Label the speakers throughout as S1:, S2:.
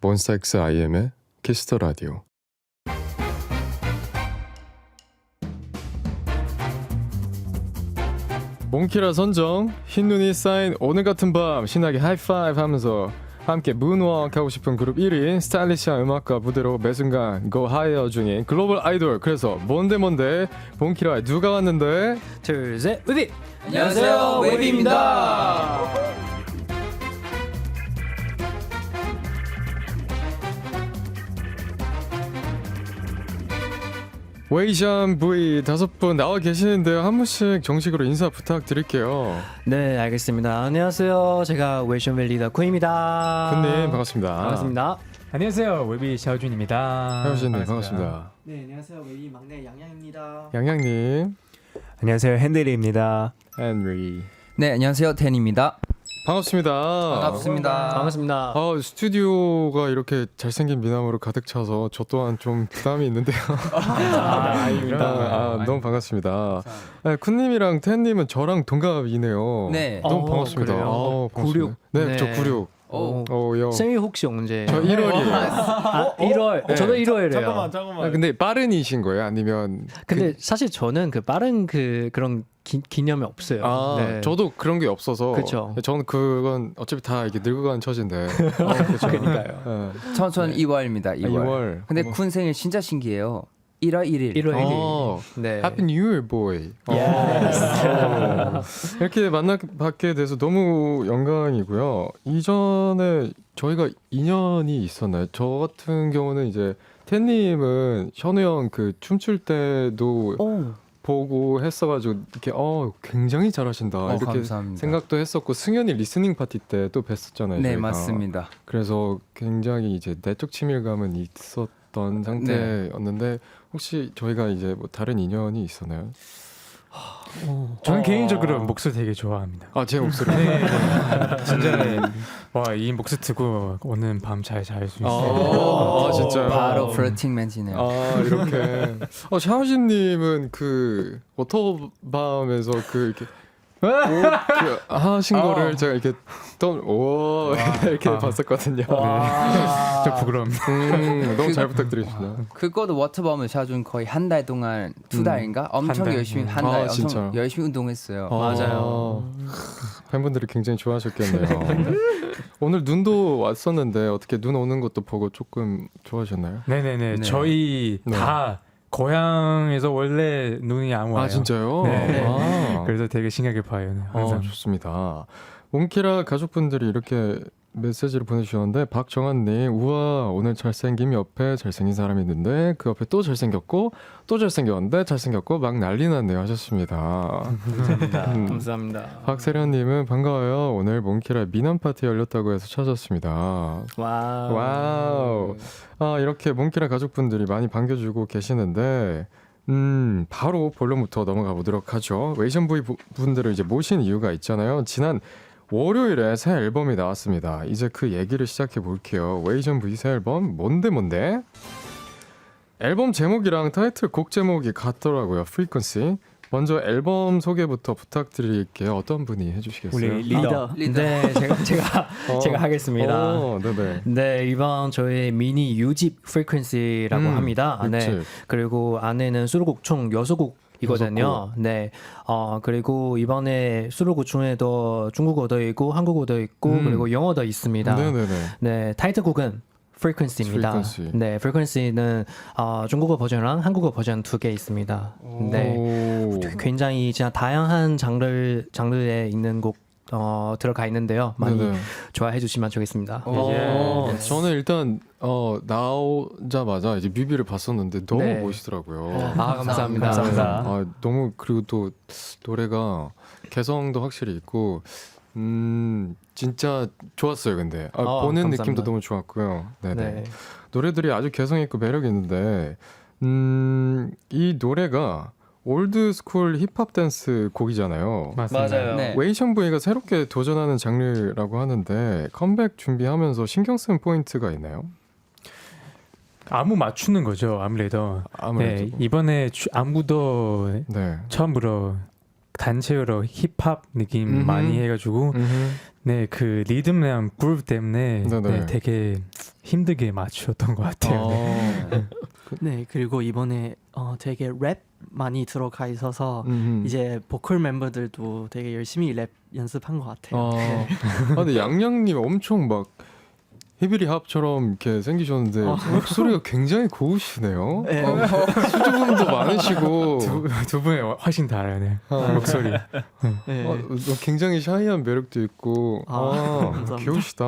S1: 몬스타엑스 IM의 키스터 라디오. 몽키라 선정, 흰눈이 쌓인 오늘 같은 밤 신나게 하이파이브 하면서 함께 문워크 하고 싶은 그룹 1위 스타일리시한 음악과 무대로 매순간 고 하이어 중인 글로벌 아이돌. 그래서 뭔데 몽키라에 누가 왔는데?
S2: 둘, 셋, 웨비!
S3: 안녕하세요, 웨비입니다.
S1: 웨이션 V 5분 나와 계시는데요. 한 분씩 정식으로 인사 부탁드릴게요.
S2: 네, 알겠습니다. 안녕하세요. 제가 웨이션벨 리더 쿠입니다.
S1: 군님 반갑습니다.
S2: 반갑습니다.
S4: 안녕하세요, 웨비 샤오준입니다.
S1: 샤오준님 반갑습니다.
S3: 네, 안녕하세요. 웨이 막내 양양입니다.
S1: 양양님,
S4: 안녕하세요, 핸들입니다.
S1: 헨리
S3: 네, 안녕하세요. 텐입니다.
S1: 반갑습니다.
S2: 반갑습니다.
S1: 스튜디오가 이렇게 잘생긴 미남으로 가득 차서 저 또한 좀 부담이 있는데요. 너무 반갑습니다. 네, 쿤님이랑 텐님은 저랑 동갑이네요.
S3: 네.
S1: 너무 반갑습니다.
S2: 그래요?
S1: 반갑습니다.
S2: 96.
S1: 네,
S2: 네.
S1: 저 96. 요.
S2: 생일 혹시 언제?
S1: 저 1월이에요.
S2: 1월.
S1: 네.
S2: 저도 1월이래요.
S1: 아, 근데 빠른이신 거예요? 아니면
S2: 근데 사실 저는 그 빠른 그런 기념이 없어요. 네.
S1: 저도 그런 게 없어서.
S2: 그쵸.
S1: 저는 그건 어차피 다 이게 늙어가는 처지인데. 그렇죠.
S2: 그러니까요.
S3: 전 2월입니다. 2월.
S1: 2월.
S3: 근데 군 생일 진짜 신기해요. 1월 1일.
S2: 1월 1일. 네.
S1: Happy New Year, boy.
S2: Yes.
S1: 이렇게 만나뵙게 돼서 너무 영광이고요. 이전에 저희가 인연이 있었나요? 저 같은 경우는 이제 텐님은 현우 형 그 춤출 때도 보고 했어가지고 이렇게 굉장히 잘하신다 이렇게
S3: 감사합니다.
S1: 생각도 했었고, 승현이 리스닝 파티 때 또 뵀었잖아요.
S3: 네,
S1: 저희가.
S3: 맞습니다.
S1: 그래서 굉장히 이제 내적 친밀감은 있었던 상태였는데 혹시 저희가 이제 뭐 다른 인연이 있었나요?
S4: 저는 개인적으로 목소리 되게 좋아합니다.
S1: 제 목소리.
S4: 진짜 와, 이 목소리 듣고 오늘 밤 잘 잘 수 있어요.
S1: 진짜요?
S3: 바로 플러팅 맨지네요.
S1: 이렇게. 샤오진님은 그 워터밤에서 그 이렇게 하신 거를 제가 이렇게 이렇게 봤었거든요.
S4: 좀 부끄럽습니다.
S1: 너무 잘 부탁드리겠습니다.
S3: 그것도 워터밤을 샤준 거의 한 달 동안 2달인가 엄청
S4: 달.
S3: 열심히 한 달
S1: 진짜.
S3: 엄청 열심히 운동했어요.
S2: 맞아요.
S1: 팬분들이 굉장히 좋아하셨겠네요. 오늘 눈도 왔었는데 어떻게 눈 오는 것도 보고 조금 좋아하셨나요?
S4: 네네네.
S3: 네.
S4: 저희
S1: 네.
S4: 다 고향에서 원래 눈이 안 와요.
S1: 진짜요?
S4: 네. 그래서 되게 신기하게 봐요. 항상.
S1: 좋습니다. 몽키라 가족분들이 이렇게 메시지를 보내주셨는데, 박정한님, 우와 오늘 잘생김 옆에 잘생긴 사람이 있는데 그 옆에 또 잘생겼고 또 잘생겼는데 잘생겼고 막 난리 났네요 하셨습니다.
S2: 감사합니다.
S1: 박세련님은 반가워요. 오늘 몽키라 미남 파티 열렸다고 해서 찾았습니다. 와우. 이렇게 몽키라 가족분들이 많이 반겨주고 계시는데 바로 본론부터 넘어가 보도록 하죠. 웨이션 V 분들을 이제 모신 이유가 있잖아요. 지난 월요일에 새 앨범이 나왔습니다. 이제 그 얘기를 시작해 볼게요. 웨이션 V 새 앨범 뭔데? 앨범 제목이랑 타이틀 곡 제목이 같더라고요. Frequency. 먼저 앨범 소개부터 부탁드릴게요. 어떤 분이 해주시겠어요?
S4: 우리 리더.
S2: 네, 제가 하겠습니다.
S1: 네네.
S2: 네, 이번 저희 미니 6집 Frequency라고 합니다. 네, 그리고 안에는 수록곡 총 6곡이거든요. 네, 그리고 이번에 수록곡 중에도 중국어도 있고 한국어도 있고 그리고 영어도 있습니다.
S1: 네네네.
S2: 네, 타이틀곡은 Frequency입니다.
S1: Frequency.
S2: 네, Frequency는 중국어 버전이랑 한국어 버전 2개 있습니다. 네, 굉장히 진짜 다양한 장르에 있는 곡 들어가 있는데요. 많이
S1: 네네.
S2: 좋아해 주시면 좋겠습니다.
S1: 저는 일단 나오자마자 이제 뮤비를 봤었는데 너무
S2: 네.
S1: 멋있더라고요.
S2: 감사합니다.
S1: 너무, 그리고 또 노래가 개성도 확실히 있고 진짜 좋았어요. 근데 보는
S2: 감사합니다.
S1: 느낌도 너무 좋았고요. 네네.
S2: 네.
S1: 노래들이 아주 개성 있고 매력 있는데 이 노래가 올드 스쿨 힙합 댄스 곡이잖아요.
S4: 맞습니다.
S3: 네.
S1: 웨이션 V가 새롭게 도전하는 장르라고 하는데 컴백 준비하면서 신경 쓰는 포인트가 있나요?
S4: 안무 맞추는 거죠, 아무래도.
S1: 아무래도.
S4: 네, 이번에 안무도
S1: 네.
S4: 처음으로 단체로 힙합 느낌 많이 해가지고 네, 그 리듬이랑 그룹 때문에
S1: 네네.
S4: 네, 되게 힘들게 맞추었던 것 같아요. 네.
S5: 네, 그리고 이번에 되게 랩 많이 들어가 있어서 이제 보컬 멤버들도 되게 열심히 랩 연습한 것 같아요. 네.
S1: 근데 양양님 엄청 막 히비리 합처럼 이렇게 생기셨는데 목소리가 굉장히 고우시네요.
S5: 네.
S1: 수줍음도 많으시고
S4: 두 분이 훨씬 달라요. 목소리.
S5: 네.
S1: 굉장히 샤이한 매력도 있고
S5: 감사합니다.
S1: 귀여우시다.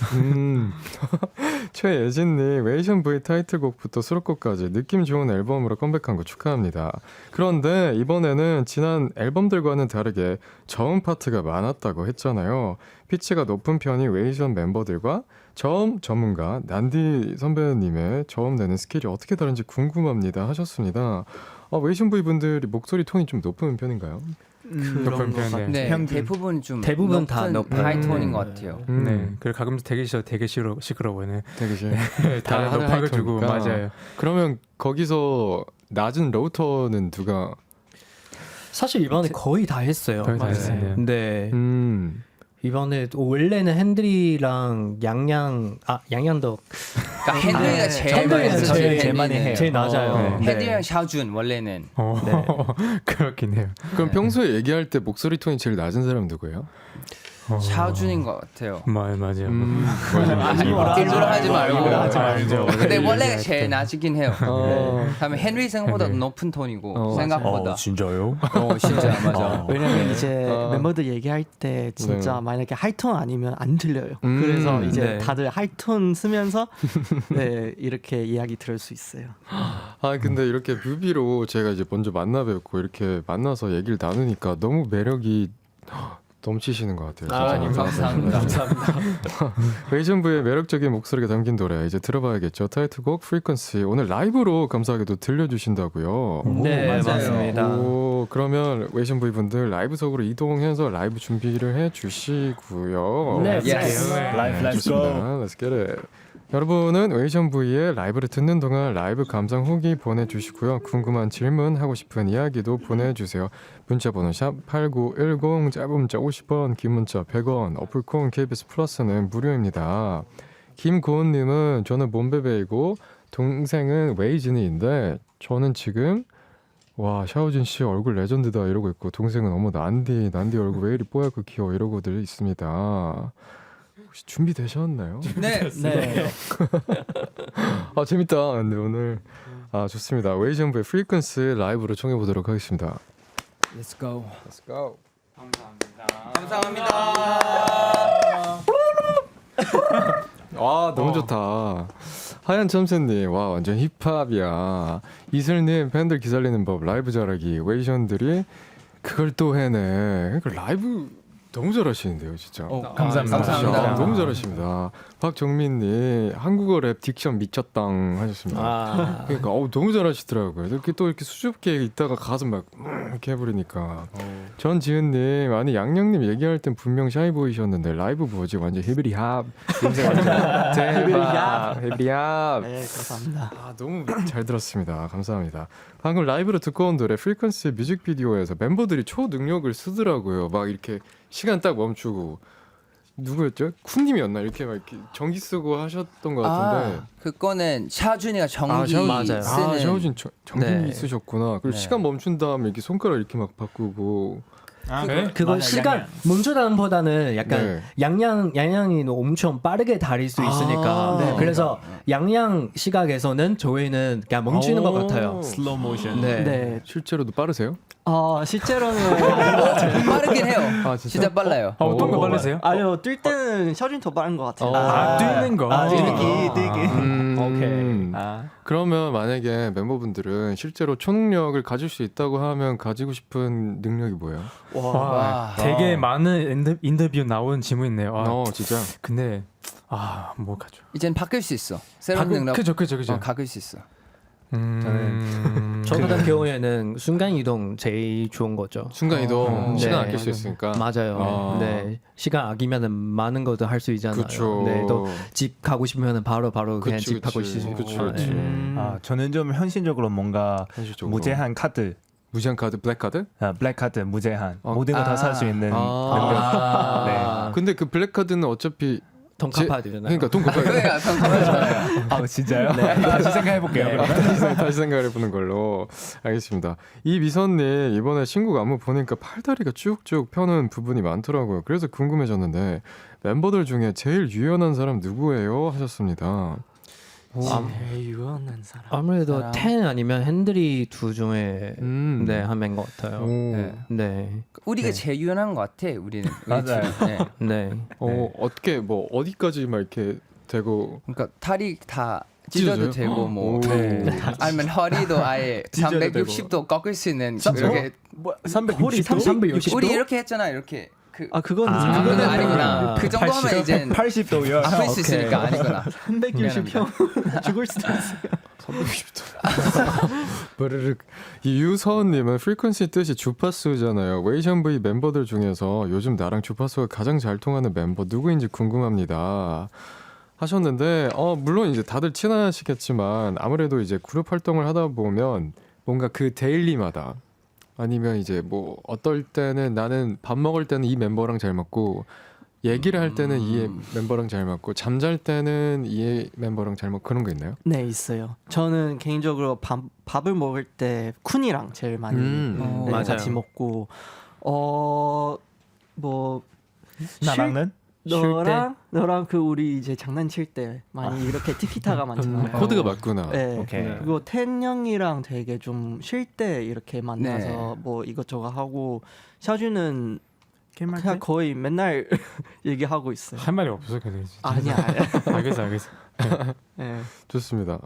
S1: 최예진님 웨이션 V 타이틀곡부터 수록곡까지 느낌 좋은 앨범으로 컴백한 거 축하합니다. 그런데 이번에는 지난 앨범들과는 다르게 저음 파트가 많았다고 했잖아요. 피치가 높은 편이 웨이션 멤버들과 저음 전문가 난디 선배님의 저음 내는 스킬이 어떻게 다른지 궁금합니다 하셨습니다. 웨이션 V 분들이 목소리 톤이 좀 높은 편인가요?
S5: 그런
S4: 높은
S5: 것
S4: 편,
S5: 같아요.
S3: 네,
S4: 평균.
S3: 대부분 좀
S2: 대부분 다 높은
S3: 하이톤인 것 같아요.
S4: 네. 그리고 가끔씩 되게 시끄러워요.
S1: 되게
S4: 다 높아가지고 맞아요.
S1: 그러면 거기서 낮은 로우톤은 누가?
S2: 사실 이번에 거의 다 했어요.
S4: 거의 다 했어요.
S2: 네. 이번에 원래는 핸드리랑 양양도
S3: 그러니까 핸들이가
S2: 핸들이가 제일
S3: 많이 해요.
S2: 제일 낮아요.
S3: 네. 핸들이랑 샤준 원래는
S2: 네.
S4: 그렇긴 해요.
S1: 그럼 평소에 얘기할 때 목소리 톤이 제일 낮은 사람 누구예요?
S3: 샤준인 것 같아요.
S4: 맞아요.
S3: 일부러 하지 말고.
S4: 말죠.
S3: 근데 원래가 제일 낮긴 해요. 다음에 헨리 생각보다 높은 톤이고 생각보다.
S4: 진짜요?
S3: 진짜 맞아.
S5: 왜냐면 이제 멤버들 얘기할 때 진짜 만약에 하이톤 아니면 안 들려요. 그래서 이제
S2: 네.
S5: 다들 하이톤 쓰면서 네, 이렇게 이야기 들을 수 있어요.
S1: 근데 이렇게 뮤비로 제가 이제 먼저 만나 뵙고 이렇게 만나서 얘기를 나누니까 너무 매력이 넘치시는 것 같아요. 진짜.
S3: 감사합니다.
S1: 웨이션부의 매력적인 목소리가 담긴 노래 이제 들어봐야겠죠. 타이틀곡 프리퀀시 오늘 라이브로 감사하게도 들려주신다고요.
S2: 네, 맞습니다.
S1: 그러면 웨이션부 분들 라이브석으로 이동해서 라이브 준비를 해주시고요.
S2: 네,
S3: Yes.
S1: 좋습니다. Let's get it. 여러분은 웨이션 V의 라이브를 듣는 동안 라이브 감상 후기 보내주시고요. 궁금한 질문, 하고 싶은 이야기도 보내주세요. 문자번호 샵 8910, 짧은 문자 50원, 긴 문자 100원, 어플콘 KBS 플러스는 무료입니다. 김고은님은 저는 몬베베이고 동생은 웨이진이인데 저는 지금 샤오진 씨 얼굴 레전드다 이러고 있고 동생은 어머 난디 얼굴 왜 이리 뽀얗고 귀여워 이러고들 있습니다. 혹시 준비되셨나요?
S3: 네.
S1: 재밌다. 근데 오늘 좋습니다. 웨이션부의 프리퀀시 라이브로 청해 보도록 하겠습니다.
S3: Let's go.
S1: Let's go.
S3: 감사합니다.
S1: 너무 좋다. 하얀 참새님, 완전 힙합이야. 이슬님, 팬들 기살리는 법, 라이브 잘하기. 웨이션들이 그걸 또 해내. 그러니까 라이브 너무 잘하시는데요, 진짜.
S3: 감사합니다.
S1: 너무 잘하십니다. 박정민님, 한국어 랩 딕션 미쳤당 하셨습니다. 그러니까 너무 잘하시더라고요. 이렇게 또 이렇게 수줍게 있다가 가서 막 이렇게 해버리니까. 전지은님, 아니 양양님 얘기할 땐 분명 샤이 보이셨는데 라이브 뭐지? 완전 히비리 합. 냄새 완전 대박. 히비리 합.
S5: 네, 감사합니다.
S1: 너무 잘 들었습니다. 감사합니다. 방금 라이브로 듣고 온 노래 프리퀀시 뮤직비디오에서 멤버들이 초능력을 쓰더라고요. 막 이렇게 시간 딱 멈추고 누구였죠? 쿤님이었나? 이렇게 막 이렇게 전기 쓰고 하셨던 것 같은데.
S3: 그거는 샤준이가 전기
S2: 맞아요.
S3: 쓰는.
S1: 샤오진 전기
S2: 네.
S1: 쓰셨구나. 그리고
S3: 네.
S1: 시간 멈춘 다음에 이렇게 손가락 이렇게 막 바꾸고.
S2: 그거
S5: 맞아,
S2: 시간 멈추다는보다는 약간 양양이 엄청 빠르게 달릴 수 있으니까
S5: 네.
S2: 그래서 양양 시각에서는 저희는 그냥 멈추는 것 같아요.
S4: 슬로우 모션.
S5: 네.
S1: 실제로도 빠르세요?
S5: 실제로는
S3: 빠르긴 해요.
S1: 진짜?
S3: 진짜 빨라요.
S4: 어떤 거 빠르세요?
S5: 아니요, 뛸 때는 샤오진 더 빠른 것 같아요.
S4: 뛰는 거.
S5: 뛰기.
S2: 오케이.
S1: 그러면 만약에 멤버분들은 실제로 초능력을 가질 수 있다고 하면 가지고 싶은 능력이 뭐예요?
S3: 와.
S4: 되게 많은 인터뷰 나온 질문이네요.
S1: 진짜?
S4: 근데 뭐 가죠?
S3: 이젠 바뀔 수 있어. 새로운 능력.
S4: 그죠.
S3: 바뀔 수 있어.
S2: 저 같은 경우에는 순간 이동 제일 좋은 거죠.
S1: 순간 이동 시간
S2: 네.
S1: 아낄 수 있으니까.
S2: 맞아요. 네, 시간 아끼면은 많은 것도 할 수 있잖아요.
S1: 그쵸.
S2: 네, 또 집 가고 싶으면은 바로 그냥
S1: 그치,
S2: 집 가고
S1: 그치.
S2: 싶고.
S1: 그치, 그치.
S6: 저는 좀 현실적으로 뭔가
S1: 현실적으로.
S6: 무제한 카드,
S1: 무제한 카드, 블랙 카드?
S6: 블랙 카드 무제한 모든 거 다 살 수 있는 능력. 네.
S1: 근데 그 블랙 카드는 어차피
S2: 돈 갚아야 되잖아요.
S1: 그러니까 돈 갚아야 돼.
S3: 그러니까 잠깐만요.
S6: 아 진짜요? 다시 생각해 볼게요.
S1: 다시 생각을 해보는 걸로 알겠습니다. 이 미선님 이번에 신곡 안무 보니까 팔다리가 쭉쭉 펴는 부분이 많더라고요. 그래서 궁금해졌는데 멤버들 중에 제일 유연한 사람 누구예요? 하셨습니다.
S5: 제일 유연한 사람.
S2: 아무래도
S3: 사람.
S2: 텐 아니면 핸들이 둘 중에 네, 한 명인 것 같아요.
S3: 네.
S2: 네.
S3: 우리가 제일 유연한 것 같아. 우리는.
S6: 맞아요.
S3: 네.
S2: 네.
S1: 어떻게 뭐 어디까지 막 이렇게 되고
S3: 그러니까 다리 다 찢어도
S1: 찢어져요?
S3: 되고 뭐
S1: 오.
S3: 아니면 허리도 아예
S6: 찢어도
S3: 360도 꺾을 수 있는 그렇게
S6: 뭐
S5: 허리
S6: 360도?
S3: 우리 이렇게 했잖아. 이렇게
S5: 그건
S3: 그거는 아니구나.
S5: 네.
S3: 그 정도 하면 이제
S6: 80도요.
S3: 아플 수 있으니까 아니구나.
S5: 360평 죽을 수도 있어요.
S1: 360도. 버르륵. 이 유서은님은 프리퀀시 뜻이 주파수잖아요. 웨이션 V 멤버들 중에서 요즘 나랑 주파수가 가장 잘 통하는 멤버 누구인지 궁금합니다. 하셨는데 물론 이제 다들 친하시겠지만 아무래도 이제 그룹 활동을 하다 보면 뭔가 그 데일리마다 아니면 이제 뭐 어떨 때는 나는 밥 먹을 때는 이 멤버랑 잘 맞고 얘기를 할 때는 이 멤버랑 잘 맞고 잠잘 때는 이 멤버랑 잘 맞고 그런 거 있나요?
S5: 네, 있어요. 저는 개인적으로 밥을 먹을 때 쿤이랑 제일 많이 네,
S2: 맞아요.
S5: 같이 먹고 뭐
S6: 나랑은?
S5: 너랑 그 우리 이제 장난칠 때 많이 이렇게 티키타가 많잖아요.
S1: 코드가 맞구나.
S5: 네.
S6: 오케이.
S5: 그리고 텐 형이랑 되게 좀 쉴 때 이렇게 만나서
S3: 네.
S5: 뭐 이것저것 하고 샤주는
S6: 게임할
S5: 그냥
S6: 때?
S5: 거의 맨날 얘기하고 있어요.
S4: 할 말이 없어 그래.
S5: 아니야.
S4: 알겠어.
S5: 네.
S1: 좋습니다.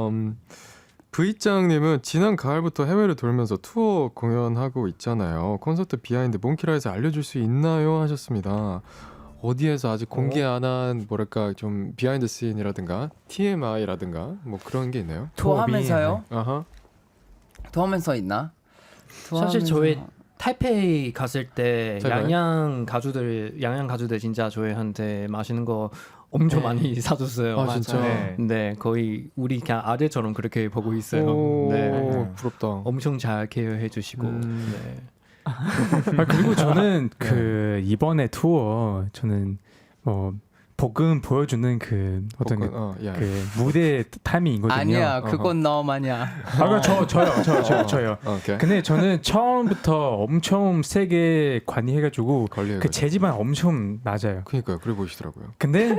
S1: V짱님은 지난 가을부터 해외를 돌면서 투어 공연하고 있잖아요. 콘서트 비하인드 몽키라에서 알려줄 수 있나요? 하셨습니다. 어디에서 아직 공개 안 한 뭐랄까 좀 비하인드 씬이라든가 TMI라든가 뭐 그런 게 있나요?
S3: 투어하면서요?
S1: 아하.
S3: 투어하면서 있나?
S2: 사실 저희 타이페이 갔을 때
S1: 제가요?
S2: 양양 가주들 진짜 저희한테 맛있는 거 엄청 많이 사줬어요.
S1: 아 진짜.
S6: 네.
S2: 네, 거의 우리 그냥 아들처럼 그렇게 보고 있어요.
S1: 오,
S2: 네,
S1: 부럽다.
S2: 엄청 잘 케어해 주시고. 네.
S4: 그리고 저는 그 이번에 투어 저는 복음 보여주는 그 어떤 그 무대 타이밍이거든요.
S3: 아니야, 그건 너만이야.
S4: 저요.
S1: 오케이.
S4: 근데 저는 처음부터 엄청 세게 관리해가지고
S1: 관리해가지고.
S4: 그 재지만 엄청 낮아요.
S1: 그러니까요. 그래 보이시더라고요.
S4: 근데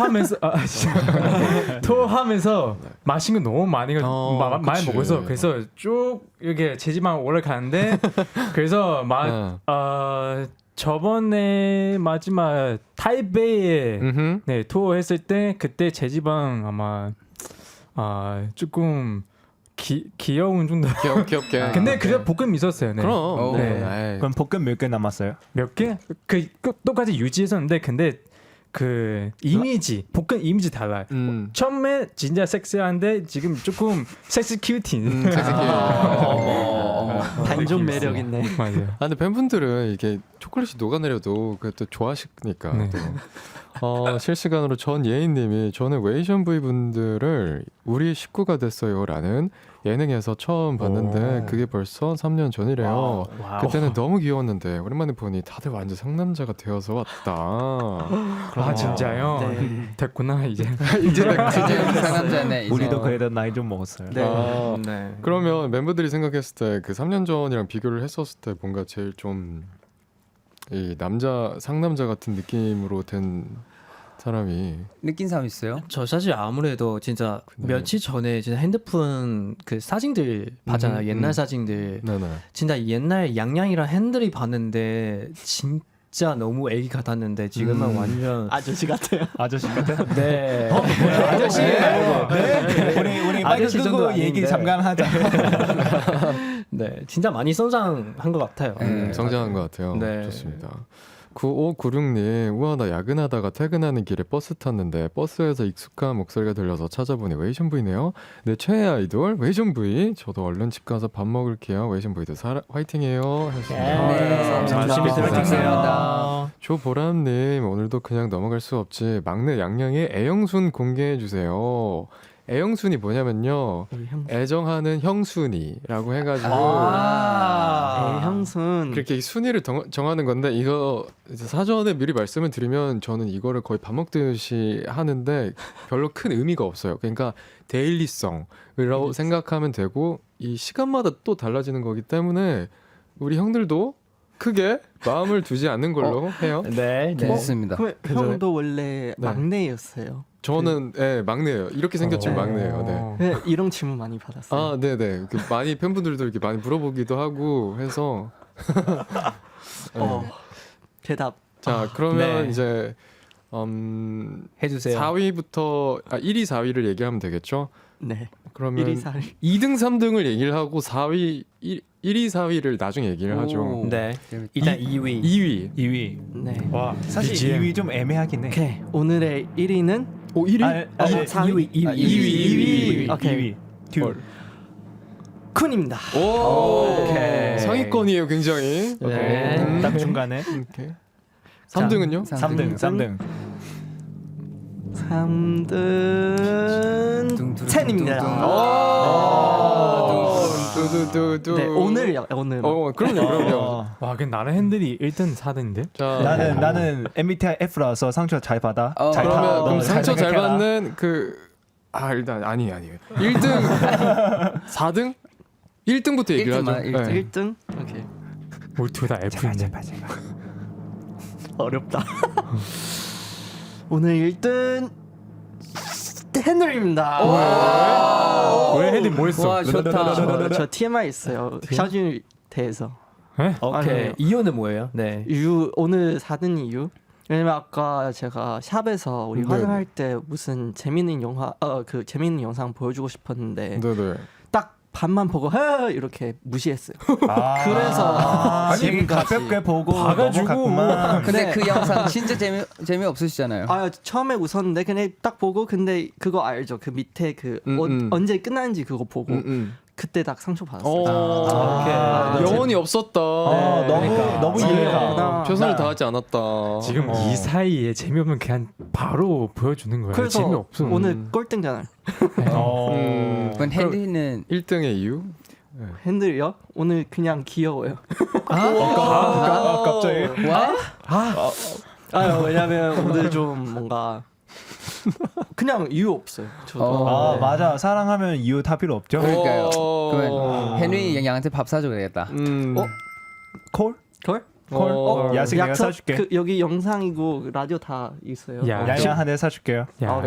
S4: 투어하면서 마신 거 너무 많이 많이
S1: 그치.
S4: 먹어서 그래서 쭉 이렇게 재지만 올라가는데 그래서 저번에 마지막 타이베이에 네, 투어 했을 때 그때 재지방 아마 조금 귀여운 정도.
S1: 귀엽게.
S4: 근데 그래도 볶음 있었어요. 네.
S1: 그럼.
S4: 네.
S6: 그럼 볶음 몇 개 남았어요?
S4: 몇 개? 그 똑같이 유지했었는데 근데 그 이미지 볶음 이미지 달라요. 처음에 진짜 섹시한데 지금 조금 섹시 큐틴.
S5: 반전 매력 있네.
S4: 맞아요.
S1: 근데 팬분들은 이게 초콜릿이 녹아내려도 그것도 좋아하시니까.
S4: 네.
S1: 실시간으로 전예인님이 저는 웨이션 V 분들을 우리 식구가 됐어요라는 예능에서 처음 봤는데 그게 벌써 3년 전이래요.
S4: 와우.
S1: 그때는 너무 귀여웠는데 오랜만에 보니 다들 완전 상남자가 되어서 왔다.
S4: 아 진짜요?
S5: 네.
S4: 됐구나 이제.
S3: 이제 상남자네. 이제.
S6: 우리도 그래도 나이 좀 먹었어요.
S5: 네.
S2: 네.
S1: 그러면 멤버들이 생각했을 때 그 3년 전이랑 비교를 했었을 때 뭔가 제일 좀 이 상남자 같은 느낌으로 된 사람이
S3: 느낀 사람 있어요?
S2: 저 사실 아무래도 진짜
S1: 네.
S2: 며칠 전에 진짜 핸드폰 그 사진들 봤잖아요. 옛날 사진들.
S1: 네네.
S2: 진짜 옛날 양양이랑 핸들이 봤는데 진짜 너무 애기 같았는데 지금은 완전
S5: 아저씨 같아요.
S6: 아저씨 같아?
S2: 네.
S3: 아저씨.
S6: 우리
S2: 아저씨
S6: 마이크
S2: 정도
S6: 끄고
S2: 아닌데.
S6: 얘기 잠깐 하자.
S2: 네, 진짜 많이 성장한 것 같아요.
S1: 성장한 것 같아요.
S2: 네.
S1: 좋습니다. 9596님, 우와 나 야근하다가 퇴근하는 길에 버스 탔는데 버스에서 익숙한 목소리가 들려서 찾아보니 웨이션 V네요. 내 최애 아이돌 웨이션 V. 저도 얼른 집 가서 밥 먹을게요. 웨이션 V도 화이팅해요. 하셨습니다.
S3: 네,
S2: 열심히
S3: 들어주세요.
S1: 조보람님, 오늘도 그냥 넘어갈 수 없지. 막내 양양의 애영순 공개해 주세요. 애영순이 뭐냐면요. 애정하는 형순이라고 해가지고
S5: 형순
S1: 그렇게 순위를 정하는 건데 이거 이제 사전에 미리 말씀을 드리면 저는 이거를 거의 밥 먹듯이 하는데 별로 큰 의미가 없어요. 그러니까 데일리성이라고 생각하면 되고 이 시간마다 또 달라지는 거기 때문에 우리 형들도 크게 마음을 두지 않는 걸로 해요.
S2: 네, 네.
S3: 좋습니다.
S5: 그럼 형도 원래
S1: 네.
S5: 막내였어요.
S1: 저는 막내예요. 이렇게 생겼지만 막내예요. 네.
S5: 네, 이런 질문 많이 받았어요.
S1: 아, 네네. 많이 팬분들도 이렇게 많이 물어보기도 하고 해서.
S5: 대답.
S1: 자, 그러면
S2: 네.
S1: 이제
S2: 해주세요.
S1: 4위부터 1위, 4위를 얘기하면 되겠죠?
S5: 네.
S1: 그러면
S5: 1위, 4위.
S1: 2등, 3등을 얘기를 하고 1위, 4위를 나중에 얘기를 하죠.
S2: 네. 일단 2위.
S1: 2위.
S6: 2위.
S5: 네.
S6: 와 사실
S4: BGM.
S6: 2위 좀 애매하긴 해.
S5: 오케이. 오늘의 1위는
S1: 1위?
S5: 4위.
S2: 2위.
S5: 오케이.
S6: 2위. 듀.
S5: 쿤입니다.
S2: 오케이.
S1: 상위권이에요, 굉장히.
S2: 네.
S6: 딱 중간에.
S1: 오케이. 3등은요?
S6: 3등. 3등.
S5: 3등 첸입니다.
S1: 두두두두.
S5: 네, 오늘요. 오늘.
S1: 그럼요.
S4: 와, 근데 나는 핸들이 1등 4등인데?
S1: 자,
S6: 나는 MBTI F라서 상처 잘 받아. 잘
S1: 그러면
S6: 타.
S1: 그럼
S6: 너
S1: 상처 잘
S6: 생각해라.
S1: 받는 일단 아니에요. 1등 4등? 1등부터 얘기를 하죠.
S3: 1등만,
S1: 네.
S5: 1등. 오케이.
S4: 우리 둘 다 F인데.
S6: 제발.
S5: 어렵다. 오늘 1등 헨리입니다.
S4: 왜 핸들 뭐 했어?
S3: 와, 좋다.
S5: 저 TMI 있어요. 샤준에 대해서.
S2: 오케이.
S5: 아니,
S2: 이유는 뭐예요? 네.
S5: 이유 오늘 4등 이유? 왜냐면 아까 제가 샵에서 우리
S1: 네.
S5: 화장할 때 무슨 재밌는 재밌는 영상 보여주고 싶었는데
S1: 네네.
S5: 딱 반만 보고 이렇게 무시했어요.
S6: 그래서 되게
S5: 지금까지.
S6: 가볍게 보고
S4: 봐가지고.
S6: 넘어갔구만.
S3: 근데
S5: 네.
S3: 그 영상 진짜 재미 없으시잖아요.
S5: 처음에 웃었는데 그냥 딱 보고 근데 그거 알죠? 그 밑에 언제 끝나는지 그거 보고 그때 딱 상처 받았어요.
S1: 영혼이 없었다.
S6: 너무 이해가.
S1: 최선을 다하지 않았다.
S4: 지금 이 사이에 재미없는 그냥 바로 보여주는 거야.
S5: 그래서
S4: 재미없어.
S5: 오늘 꼴등잖아요.
S3: 그럼 헨리는
S1: 1등의 이유?
S5: 핸들이요? 오늘 그냥 귀여워요.
S6: 갑자기.
S5: 왜냐면 오늘 좀 뭔가 그냥 이유 없어요. 저도.
S6: 맞아. 사랑하면 이유 다 필요 없죠.
S3: 그러니까요. 그러면 헨리 양한테 밥 사줘 그래야겠다.
S6: 콜?
S5: 걸?
S6: 야식 내가
S5: 약속?
S6: 사줄게.
S5: 여기 영상이고 라디오 다 있어요.
S4: 야,
S6: 양양 한 대 사줄게요.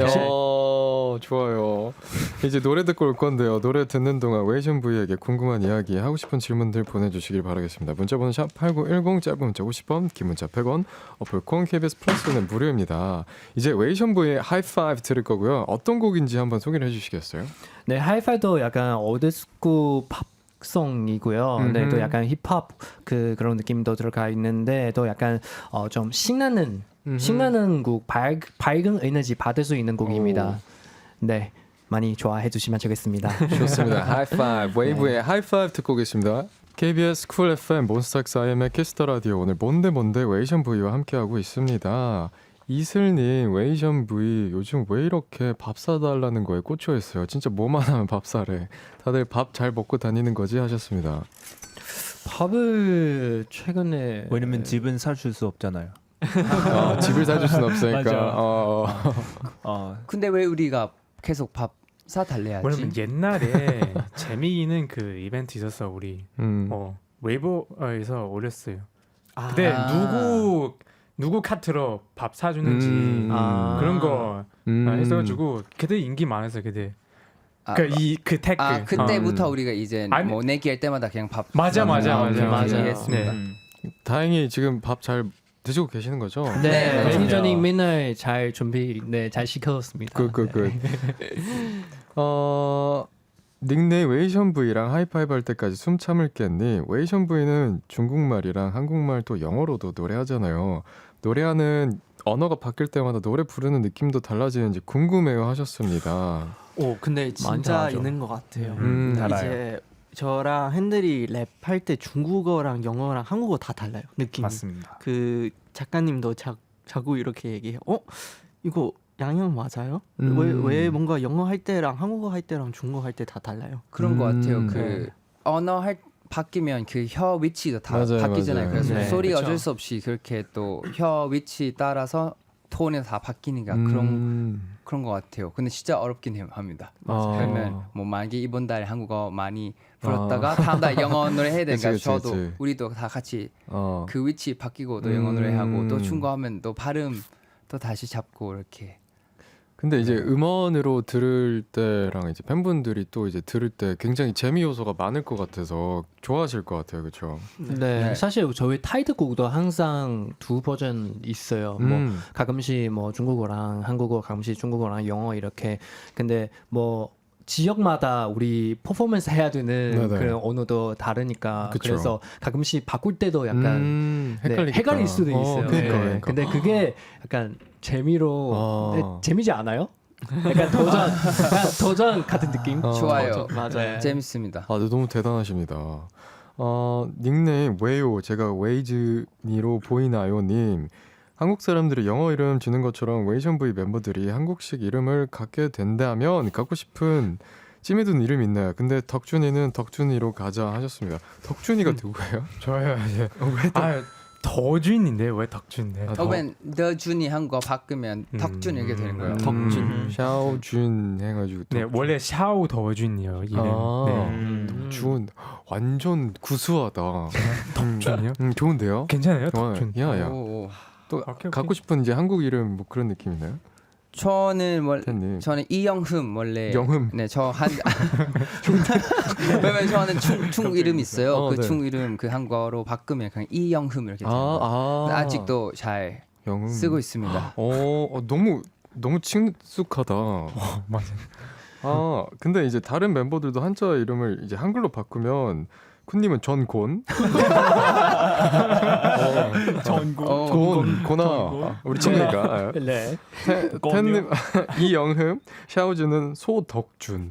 S1: 좋아요. 이제 노래 듣고 올 건데요. 노래 듣는 동안 웨이션 V에게 궁금한 이야기, 하고 싶은 질문들 보내주시길 바라겠습니다. 문자번호 샵 8910, 짧은 문자 50원, 긴 문자 100원, 어플콘 KBS 플러스는 무료입니다. 이제 웨이션 V의 하이파이브 들을 거고요. 어떤 곡인지 한번 소개를 해주시겠어요?
S2: 네, 하이파이도 약간 올드스쿨 팝송이고요. 네, 또 약간 힙합 그런 느낌도 들어가 있는데 또 약간 좀 신나는 곡, 밝은 에너지 받을 수 있는 곡입니다. 네, 많이 좋아해 주시면 좋겠습니다.
S1: 좋습니다. 하이파이브, 웨이브의 하이파이브 듣고 계십니다. KBS 쿨 FM 몬스타엑스 IM의 키스터 라디오, 오늘 뭔데 웨이션 V와 함께하고 있습니다. 이슬님, 웨이션 V 요즘 왜 이렇게 밥 사달라는 거에 꽂혀 있어요. 진짜 뭐만 하면 밥 사래. 다들 밥 잘 먹고 다니는 거지 하셨습니다.
S2: 밥을 최근에
S6: 왜냐면 집은 사줄 수 없잖아요.
S1: 집을 사줄 순 없으니까.
S6: 맞아.
S3: 근데 왜 우리가 계속 밥 사달래야지?
S4: 왜냐면 옛날에 재미있는 그 이벤트 있었어 우리. 웨이버에서 올렸어요. 근데 누구 카트로 밥 사주는지 그런 거 했어가지고 그때 인기 많았어요 그때. 그 태그.
S3: 그때부터 우리가 이제 뭐 내기할 때마다 그냥 밥.
S4: 맞아.
S3: 했습니다.
S1: 다행히 지금 밥 잘 드시고 계시는 거죠?
S2: 네,
S3: 네,
S2: 매니저님 맨날 잘 잘 시켰습니다.
S1: 굿. 닉네임 웨이션 V랑 하이파이브 할 때까지 숨 참을 겠니? 웨이션 V는 중국말이랑 한국말 또 영어로도 노래하잖아요. 노래하는 언어가 바뀔 때마다 노래 부르는 느낌도 달라지는지 궁금해요 하셨습니다.
S5: 근데 진짜
S2: 달라져.
S5: 있는 것 같아요.
S6: 달라요.
S5: 이제 저랑 핸들이 랩할 때 중국어랑 영어랑 한국어 다 달라요. 느낌이.
S6: 맞습니다.
S5: 그 작가님도 자꾸 이렇게 얘기해요. 이거 양형 맞아요? 왜 뭔가 영어 할 때랑 한국어 할 때랑 중국어 할 때 다 달라요?
S3: 그런 것 같아요. 그 언어 바뀌면 그 혀 위치도 다
S1: 맞아요,
S3: 바뀌잖아요.
S1: 맞아요.
S3: 그래서
S2: 네,
S3: 소리가
S2: 그쵸.
S3: 어쩔 수 없이 그렇게 또 혀 위치 따라서 톤이 다 바뀌니까 그런 것 같아요. 근데 진짜 어렵긴 합니다. 그러면 뭐 만약에 이번 달에 한국어 많이 불렀다가 다음 달 영어 노래 해야 되니까
S1: 그치,
S3: 저도
S1: 그치.
S3: 우리도 다 같이
S1: 어.
S3: 그 위치 바뀌고 또 영어 노래 하고 또 중국어 하면 또 발음 또 다시 잡고 이렇게.
S1: 근데 이제 음원으로 들을 때랑 이제 팬분들이 또 이제 들을 때 굉장히 재미 요소가 많을 것 같아서 좋아하실 것 같아요, 그렇죠?
S2: 네, 사실 저희 타이틀곡도 항상 두 버전 있어요. 뭐 가끔씩 뭐 중국어랑 한국어, 가끔씩 중국어랑 영어 이렇게. 근데 뭐 지역마다 우리 퍼포먼스 해야 되는
S1: 네네.
S2: 그런 언어도 다르니까
S1: 그쵸.
S2: 그래서 가끔씩 바꿀 때도 약간
S1: 헷갈리겠다.
S2: 헷갈릴 수도 있어요.
S1: 그러니까,
S2: 네.
S1: 그러니까.
S2: 근데 그게 약간 재미로
S1: 아.
S2: 네, 재미지 않아요? 약간 도전 같은 느낌?
S3: 좋아요.
S5: 맞아요.
S3: 재밌습니다.
S1: 아, 네, 너무 대단하십니다. 닉네임 왜요? 제가 웨이즈니로 보이나요님. 한국 사람들이 영어 이름 지는 것처럼 웨이션브이 멤버들이 한국식 이름을 갖게 된다면 갖고 싶은 찜에 둔 이름 있나요? 근데 덕준이는 덕준이로 가자 하셨습니다. 덕준이가 누구예요?
S4: 저요 이제 더준인데 왜 덕준인데?
S3: 혹은 더 준이 한국어 바꾸면 덕준 이렇게 되는 거예요.
S5: 덕준.
S1: 샤오준 해가지고
S4: 네 원래 샤오 더준이요 이름. 네.
S1: 덕준 완전 구수하다.
S4: 덕준이요?
S1: 좋은데요?
S4: 괜찮아요
S1: 좋아요.
S4: 덕준.
S1: 야야.
S3: 오.
S1: 또
S4: 오케이.
S1: 갖고 싶은 이제 한국 이름 뭐 그런 느낌 있나요?
S3: 저는 이영흠 원래
S1: 영흠.
S3: 네, 왜냐면 저는 충 이름 있어요. 그
S1: 네.
S3: 충 이름 그 한국어로 바꾸면 그냥 이영흠 이렇게 돼요. 아직도 잘
S1: 영흠.
S3: 쓰고 있습니다.
S1: 너무 친숙하다.
S4: 맞아요.
S1: 근데 이제 다른 멤버들도 한자 이름을 이제 한글로 바꾸면 쿤님은 전곤, 고나, 우리 친구니까.
S2: 네.
S1: 텐님 이영흠, 샤오즈는 소덕준,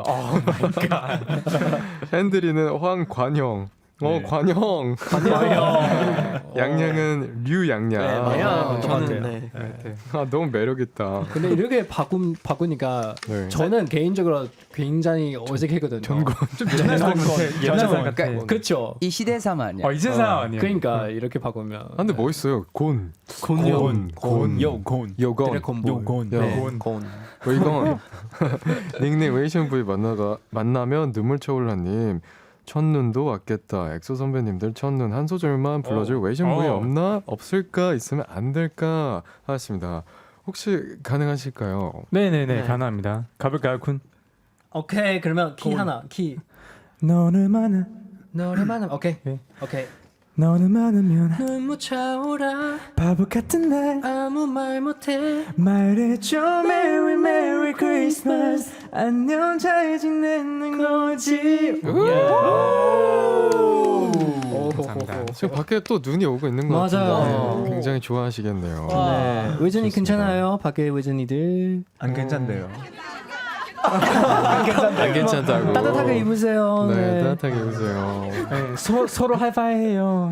S1: 핸드리는 황관형. 관형. 양양은 류양양.
S5: 저는 네.
S1: 너무 매력 있다.
S2: 근데 이렇게 바꾸니까
S1: 네.
S2: 저는 개인적으로 굉장히 어색했거든요.
S1: 전곤.
S4: 좀 옛날 사람 같아.
S2: 그렇죠.
S3: 이 시대 사람 아니야.
S4: 이제 사람 아니에요.
S2: 그러니까 이렇게 바꾸면.
S1: 근데 멋있어요. 곤.
S2: 요건.
S1: 요건.
S2: 네.
S1: 이건 닉네임 웨이션브이 만나면 눈물 쳐올라님. 첫눈도 왔겠다. 엑소 선배님들 첫눈 한 소절만 불러줄 웨이션브이 없나? 없을까? 있으면 안 될까? 하셨습니다. 혹시 가능하실까요?
S4: 네네네 가능합니다. 가볼까요 쿤?
S2: 오케이 그러면 키 하나 키.
S4: 너를 만나
S2: 너를 만나면 오케이.
S4: 네.
S2: 오케이.
S4: 너를 만나면
S2: 눈물 차오라
S4: 바보 같은 날
S2: 아무 말 못해
S4: 말해줘 Merry Merry Christmas 안녕 잘 지내는 거지. 감사합니다.
S1: 지금 밖에 또 눈이 오고 있는 것
S2: 맞아요.
S1: 같은데 굉장히 좋아하시겠네요.
S2: 네. 외전이 괜찮아요? 밖에 외전이들
S6: 안 괜찮대요.
S1: 안 괜찮다고.
S2: 따뜻하게 입으세요.
S1: 네, 따뜻하게 입으세요.
S4: 네, 서로 하이파이해요.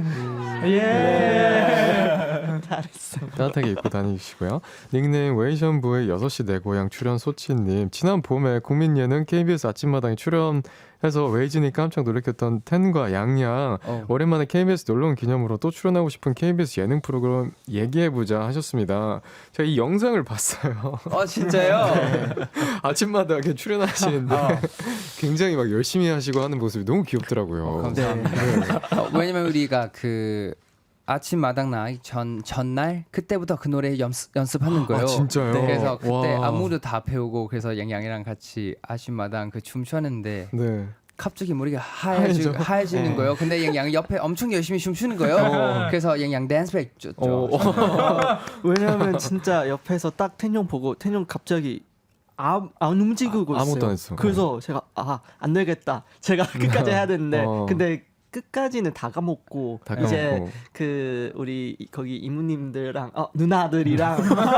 S4: 예.
S1: 따뜻하게 입고 다니시고요. 닉네임 웨이션부의 6시 내 고향 출연 소치님. 지난 봄에 국민 예능 KBS 아침마당에 출연해서 웨이진이 깜짝 놀랐던 텐과 양양. 오랜만에 KBS 놀러온 기념으로 또 출연하고 싶은 KBS 예능 프로그램 얘기해보자 하셨습니다. 제가 이 영상을 봤어요.
S3: 진짜요?
S1: 아침마당에 출연하시는데 굉장히 막 열심히 하시고 하는 모습이 너무 귀엽더라고요.
S3: 감사합니다. 왜냐면 우리가 그 아침 마당 나기 전날 그때부터 그 노래 연습하는 거예요.
S1: 진짜요?
S3: 그래서 그때
S1: 와.
S3: 안무도 다 배우고 그래서 양양이랑 같이 아침 마당 그 춤 췄는데
S1: 네.
S3: 갑자기 머리가 하얘지는 거예요. 근데 양양 옆에 엄청 열심히 춤추는 거예요. 그래서 양양 댄스백 줬죠.
S5: 왜냐면 진짜 옆에서 딱 텐용 보고 텐용 갑자기 안 움직이고 있어요.
S1: 아무것도 안 했어.
S5: 그래서 제가 안 되겠다. 제가 끝까지 해야 되는데 근데 끝까지는 다 까먹고 이제 그 우리 거기 이모님들랑 누나들이랑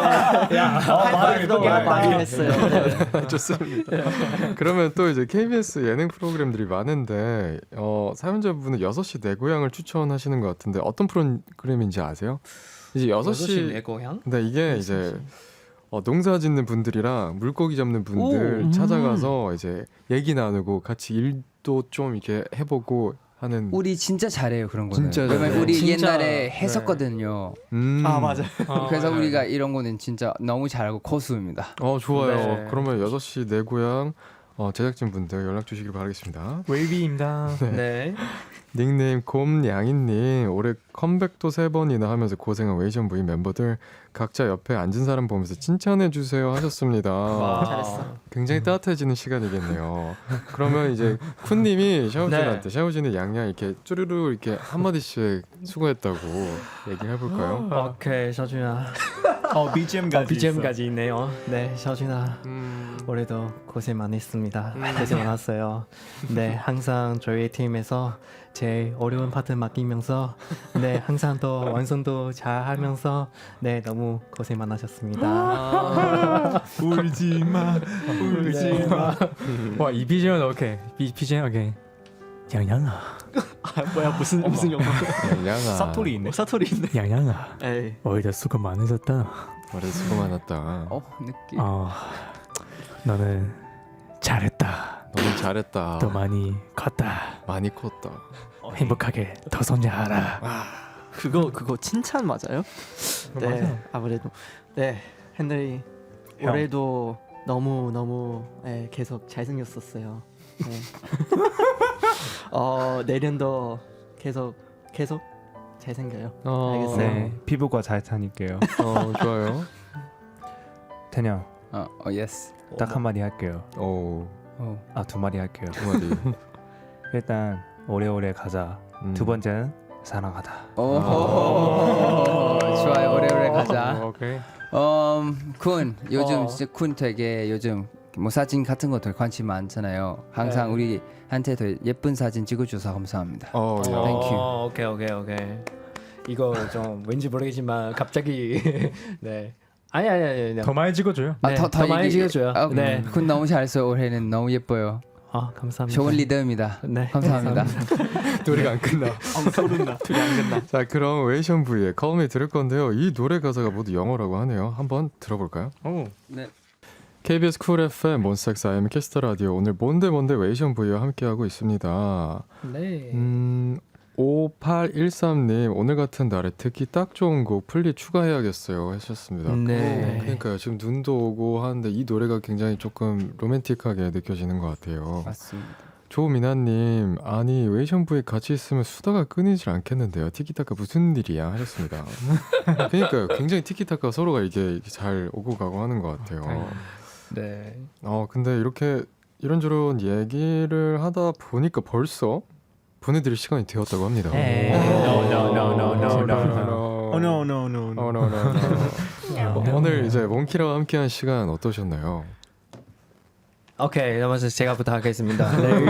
S5: 많이 했어요. 네.
S1: 좋습니다. 그러면 또 이제 KBS 예능 프로그램들이 많은데 사연자분은 6시 내 고향을 추천하시는 것 같은데 어떤 프로그램인지 아세요? 이제 6시
S2: 내 고향?
S1: 근데 이게 이제 농사 짓는 분들이랑 물고기 잡는 분들 찾아가서 이제 얘기 나누고 같이 일도 좀 이렇게 해보고 하는.
S3: 우리 진짜 잘해요 그런 거는.
S1: 진짜
S3: 왜냐면
S1: 잘해요.
S3: 우리
S2: 진짜,
S3: 옛날에 했었거든요.
S5: 아 맞아요.
S3: 그래서 우리가 이런 거는 진짜 너무 잘하고 고수입니다.
S1: 좋아요.
S2: 네.
S1: 그러면 6시 내 고향 제작진 분들 연락 주시길 바라겠습니다.
S4: 웨이비입니다.
S2: 네.
S1: 닉네임 곰냥이님 올해 컴백도 3번이나 하면서 고생한 웨이션 부인 멤버들 각자 옆에 앉은 사람 보면서 칭찬해 주세요 하셨습니다.
S5: 잘했어.
S1: 굉장히 따뜻해지는 시간이겠네요. 그러면 이제 쿤님이 샤오진한테
S2: 네.
S1: 샤오진의 양양 이렇게 쭈르르 이렇게 한 마디씩 수고했다고 얘기를 해볼까요?
S2: 오케이, 셔준아.
S6: BGM까지.
S2: BGM까지 있네요. 네, 셔준아. 올해도 고생 많았습니다. 고생 많았어요. 네, 항상 저희 팀에서 제일 어려운 파트 맡기면서 네, 항상 더 완성도 잘 하면서 네, 너무 고생 많으셨습니다.
S6: 울지 마. 울지 마.
S4: 와이 BGM 오케이. BGM 오케이. 양양아.
S5: 아 뭐야 무슨 영화?
S1: 양양아
S6: 사토리 있네.
S5: 사투리 있네.
S4: 양양아.
S5: 에이.
S4: 올해도 수고 많으셨다.
S1: 올해 수고 많았다.
S3: 느낌.
S4: 너는 잘했다.
S1: 너무 잘했다.
S4: 더 많이 컸다.
S1: 많이 컸다.
S4: 행복하게 더 성장하라.
S5: 그거 칭찬 맞아요? 네
S4: 맞아요.
S5: 아무래도 네 henry
S6: 형.
S5: 올해도 너무 계속 잘생겼었어요. 네. 내년도 계속 잘생겨요. 알겠어요.
S6: 네, 피부가 잘 타니까요.
S1: 좋아요.
S6: 태냥
S3: 예스.
S6: 딱 한 마디 할게요. 두 마디 할게요.
S1: 두 마디.
S6: 일단 오래오래 가자. 두 번째는 사랑하다.
S3: 좋아요. 오래오래 가자.
S4: 오케이.
S3: 쿤 요즘 진짜 쿤 되게 요즘 뭐 사진 같은 거 되게 관심 많잖아요. 항상 우리한테 더 예쁜 사진 찍어줘서 감사합니다.
S1: Thank
S2: you. 오케이. 이거 좀 왠지 모르겠지만 갑자기 네. 아니.
S4: 더 많이 찍어줘요.
S2: 네, 더 많이 찍어줘요. 네.
S3: 쿤 너무 잘했어요. 올해는 너무 예뻐요.
S2: 감사합니다.
S3: 좋은 리더입니다.
S2: 네.
S3: 감사합니다.
S1: 노래가 안 끝나.
S5: 소름나. 둘이 안 끝나.
S1: 자, 그럼 웨이션 V의 Call 들을 건데요. 이 노래 가사가 모두 영어라고 하네요. 한번 들어볼까요?
S3: 네.
S1: KBS 쿨 FM 몬스타엑스 IM 캐스터 라디오 오늘 뭔데 웨이션 V와 함께하고 있습니다.
S2: 네.
S1: 5813님 오늘 같은 날에 듣기 딱 좋은 곡 플리 추가해야겠어요 하셨습니다.
S2: 네.
S1: 그러니까요. 지금 눈도 오고 하는데 이 노래가 굉장히 조금 로맨틱하게 느껴지는 것 같아요.
S3: 맞습니다.
S1: 조미나님 아니 웨이션 V에 같이 있으면 수다가 끊이질 않겠는데요. 티키타카 무슨 일이야 하셨습니다. 그러니까요. 굉장히 티키타카 서로가 이게 잘 오고 가고 하는 것 같아요.
S2: 네.
S1: 근데 이렇게 이런저런 얘기를 하다 보니까 벌써 보내드릴 시간이 되었다고 합니다. 오늘 이제 몬키라와 함께한 시간 어떠셨나요?
S2: 오케이, 먼저 제가 부탁하겠습니다.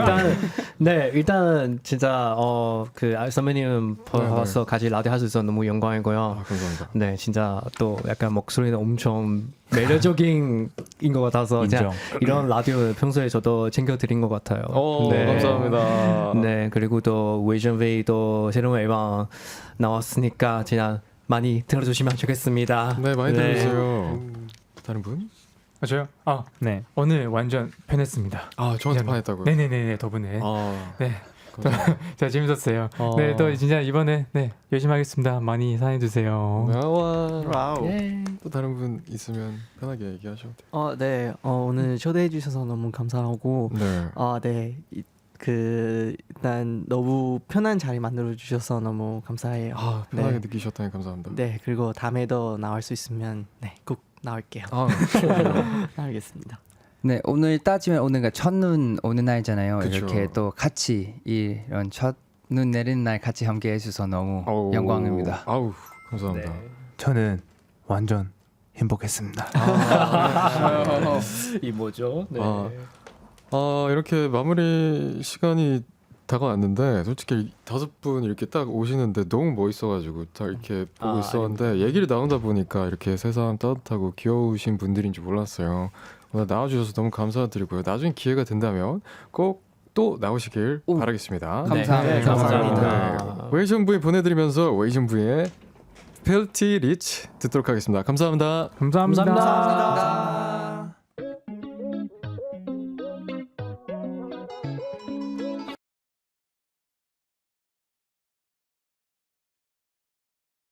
S2: 일단 진짜 선배님 봐서 같이 라디오 할 수 있어서 너무 영광이고요.
S1: 감사합니다.
S2: 네, 진짜 또 약간 목소리는 엄청 매력적인 것 같아서
S6: 인정.
S2: 이런 라디오 평소에 저도 챙겨드린 것 같아요.
S1: 네. 감사합니다.
S2: 네, 그리고 또 웨이션 웨이도 새로운 앨범 나왔으니까 진짜 많이 들어주시면 좋겠습니다.
S1: 네, 많이 들어주세요. 다른 분?
S4: 저요? 네. 오늘 완전 편했습니다.
S1: 저한테 반했다고요?
S4: 네네네 덕분에. 네. 자 재밌었어요. 네, 또 진짜 이번에 열심히 하겠습니다. 많이 사랑해 주세요.
S5: 와우.
S1: 또 다른 분 있으면 편하게 얘기하셔도 돼요.
S5: 네. 오늘 초대해 주셔서 너무 감사하고
S1: 네.
S5: 일단 너무 편한 자리 만들어 주셔서 너무 감사해요.
S1: 편하게 느끼셨다니 감사합니다.
S5: 네, 그리고 다음에도 나올 수 있으면 꼭 나올게요. 나오겠습니다.
S3: 네, 오늘 따지면 오늘가 첫눈 오는 날이잖아요.
S1: 그쵸.
S3: 이렇게 또 같이 이런 첫눈 내리는 날 같이 함께 해주셔서 너무 영광입니다.
S1: 감사합니다.
S2: 네.
S6: 저는 완전 행복했습니다.
S2: 이 뭐죠? 네.
S1: 이렇게 마무리 시간이 다가왔는데 솔직히 5분 이렇게 딱 오시는데 너무 멋있어가지고 다 이렇게 보고 있었는데 얘기를 나누다 보니까 이렇게 세상 따뜻하고 귀여우신 분들인지 몰랐어요. 오늘 나와주셔서 너무 감사드리고요. 나중에 기회가 된다면 꼭 또 나오시길 바라겠습니다.
S3: 감사합니다.
S2: 감사합니다.
S1: 웨이션 V 보내드리면서 웨이션 V의 Filthy Rich 듣도록 하겠습니다. 감사합니다.
S4: 감사합니다.
S2: 감사합니다.